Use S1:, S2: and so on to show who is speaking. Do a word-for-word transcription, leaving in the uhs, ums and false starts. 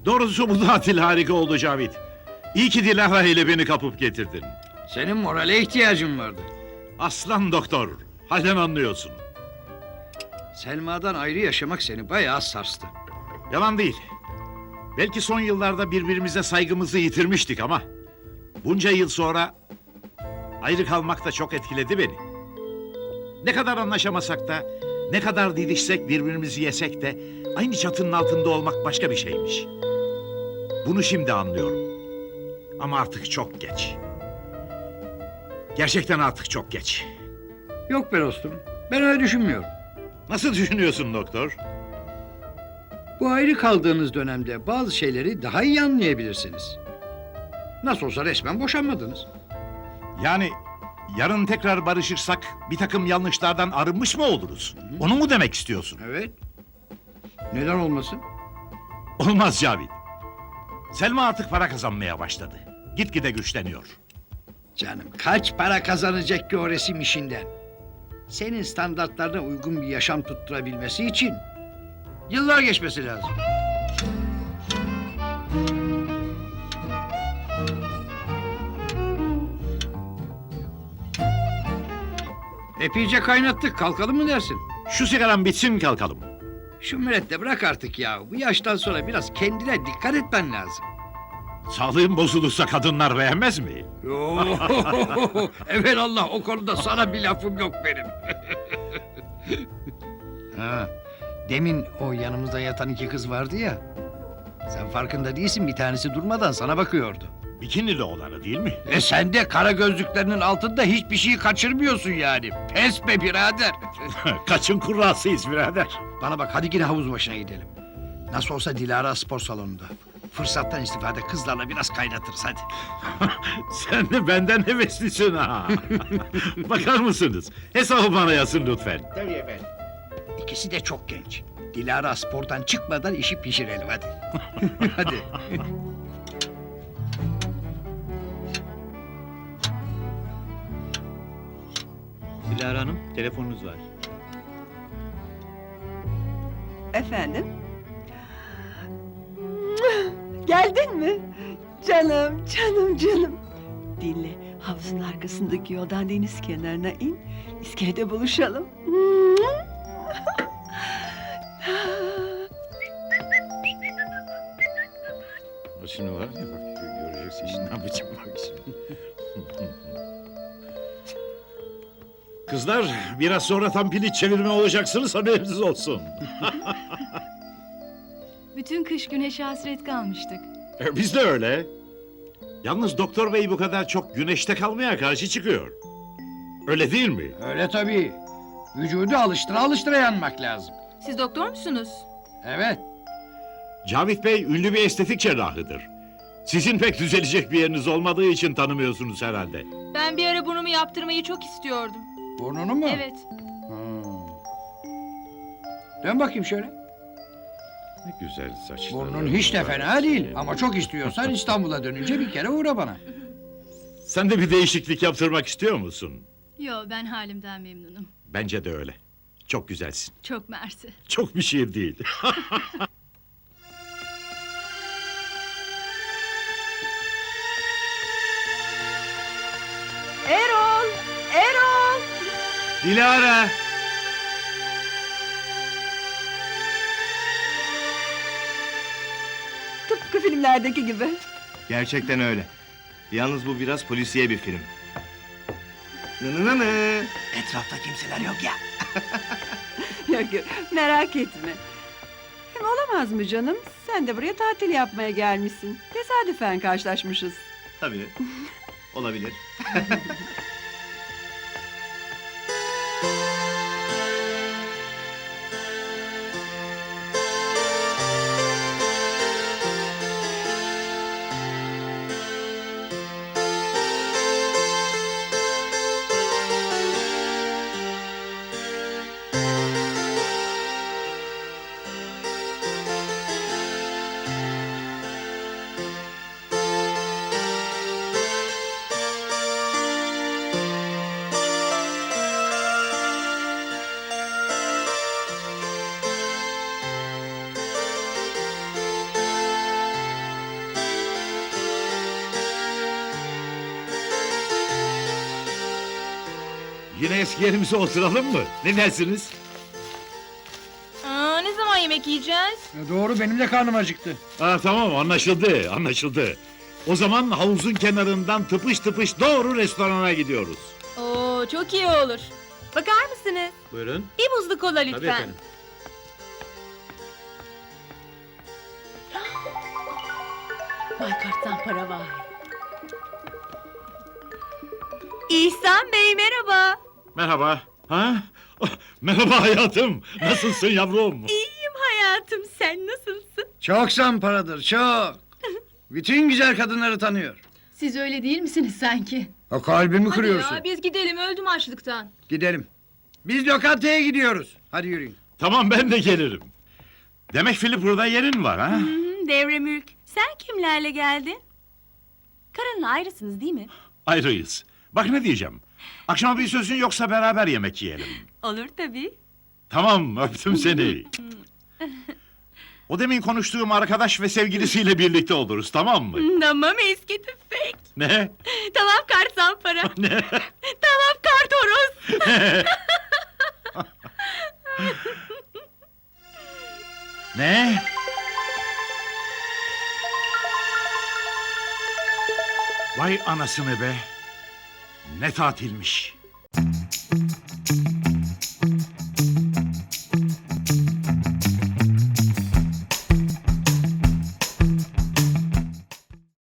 S1: Doğrusu bu tatil harika oldu Cavit. İyi ki Dilara ile beni kapıp getirdin.
S2: Senin morale ihtiyacın vardı.
S1: Aslan doktor, halden anlıyorsun.
S2: Selma'dan ayrı yaşamak seni bayağı sarstı.
S1: Yalan değil. Belki son yıllarda birbirimize saygımızı yitirmiştik ama... bunca yıl sonra ayrı kalmak da çok etkiledi beni. Ne kadar anlaşamasak da, ne kadar didişsek, birbirimizi yesek de... aynı çatının altında olmak başka bir şeymiş. Bunu şimdi anlıyorum. Ama artık çok geç. Gerçekten artık çok geç.
S2: Yok be dostum, ben öyle düşünmüyorum.
S1: Nasıl düşünüyorsun doktor?
S2: Bu ayrı kaldığınız dönemde bazı şeyleri daha iyi anlayabilirsiniz. Nasıl olsa resmen boşanmadınız.
S1: Yani yarın tekrar barışırsak bir takım yanlışlardan arınmış mı oluruz? Onu mu demek istiyorsun?
S2: Evet. Neden olmasın?
S1: Olmaz Cavit. Selma artık para kazanmaya başladı. Gitgide güçleniyor.
S2: Canım kaç para kazanacak ki o resim işinden? Senin standartlarına uygun bir yaşam tutturabilmesi için yıllar geçmesi lazım. Epeyce kaynattık, kalkalım mı dersin?
S1: Şu sigaran bitsin kalkalım.
S2: Şu mürette bırak artık ya. Bu yaştan sonra biraz kendine dikkat etmen lazım.
S1: Sağlığın bozulursa kadınlar beğenmez mi?
S2: Yoo, evelallah o konuda sana bir lafım yok benim. Ha, demin o yanımızda yatan iki kız vardı ya. Sen farkında değilsin, bir tanesi durmadan sana bakıyordu.
S1: Bikinili olanı değil mi?
S2: E sen de kara gözlüklerinin altında hiçbir şeyi kaçırmıyorsun yani. Pes be birader.
S1: Kaçın kurrasıyız birader.
S2: Bana bak, hadi yine havuz başına gidelim. Nasıl olsa Dilara spor salonunda. Fırsattan istifade kızlarla biraz kaynatırız hadi.
S1: Sen de benden heveslisin ha. Bakar mısınız? Hesabı bana yazın lütfen.
S2: Tabii efendim. İkisi de çok genç. Dilara spordan çıkmadan işi pişirelim hadi. Hadi.
S3: Dilara Hanım, telefonunuz var.
S4: Efendim? Geldin mi? Canım, canım, canım. Dinle, havuzun arkasındaki yoldan deniz kenarına in. İskelede buluşalım.
S1: O şimdi var ya bak göreceksin şimdi ne yapacağım bak şimdi. Kızlar biraz sonra tam piliç çevirme olacaksınız haberiniz olsun.
S5: Bütün kış güneşe hasret kalmıştık.
S1: E, biz de öyle. Yalnız doktor bey bu kadar çok güneşte kalmaya karşı çıkıyor. Öyle değil mi?
S2: Öyle tabii. Vücudu alıştıra alıştıra yanmak lazım.
S5: Siz doktor musunuz?
S2: Evet.
S1: Cavit Bey ünlü bir estetik cerrahıdır. Sizin pek düzelecek bir yeriniz olmadığı için tanımıyorsunuz herhalde.
S5: Ben bir ara burnumu yaptırmayı çok istiyordum.
S2: Burnunu mu?
S5: Evet.
S2: Hmm. Dön bakayım şöyle.
S1: Ne güzel saçlar.
S2: Burnun hiç de fena değil. Ama çok istiyorsan İstanbul'a dönünce bir kere uğra bana.
S1: Sen de bir değişiklik yaptırmak istiyor musun?
S5: Yo, ben halimden memnunum.
S1: Bence de öyle. Çok güzelsin.
S5: Çok mersi.
S1: Çok bir şey değil.
S4: Erol, Erol!
S3: Dilara!
S4: Tıpkı filmlerdeki gibi.
S3: Gerçekten öyle. Yalnız bu biraz polisiye bir film. Nınınını.
S2: Etrafta kimseler yok ya.
S4: Yok yok, merak etme. Hem olamaz mı canım? Sen de buraya tatil yapmaya gelmişsin. Tesadüfen karşılaşmışız.
S3: Tabii. Olabilir.
S1: Yine eski yerimize oturalım mı? Ne dersiniz?
S5: Aa, ne zaman yemek yiyeceğiz?
S2: Ya doğru, benim de karnım acıktı.
S1: Ha, tamam, anlaşıldı, anlaşıldı. O zaman havuzun kenarından tıpış tıpış doğru restorana gidiyoruz.
S5: Oo, çok iyi olur. Bakar mısınız?
S1: Buyurun.
S5: Bir buzlu kola lütfen.
S4: Vay karttan para vay.
S5: İhsan Bey merhaba.
S1: Merhaba. Ha? Oh, merhaba hayatım. Nasılsın yavrum?
S5: İyiyim hayatım, sen nasılsın?
S2: Çok zamparadır, çok. Bütün güzel kadınları tanıyor.
S5: Siz öyle değil misiniz sanki?
S2: O kalbimi
S5: Hadi
S2: kırıyorsun.
S5: ya, biz gidelim, öldüm açlıktan.
S2: Gidelim. Biz lokantaya gidiyoruz. Hadi yürüyün.
S1: Tamam, ben de gelirim. Demek Filipur'da yerin var ha?
S6: Devre Mülk, sen kimlerle geldin? Karınla ayrısınız değil mi?
S1: Ayrıyız. Bak ne diyeceğim. Akşama bir sözün yoksa beraber yemek yiyelim.
S6: Olur tabii.
S1: Tamam, öptüm seni. O demin konuştuğum arkadaş ve sevgilisiyle birlikte oluruz, tamam mı?
S6: Tamam eski tüfek.
S1: Ne?
S6: Tamam kart zampara.
S1: Ne?
S6: Tamam kart horoz.
S1: Ne? Vay anasını be. Ne tatilmiş.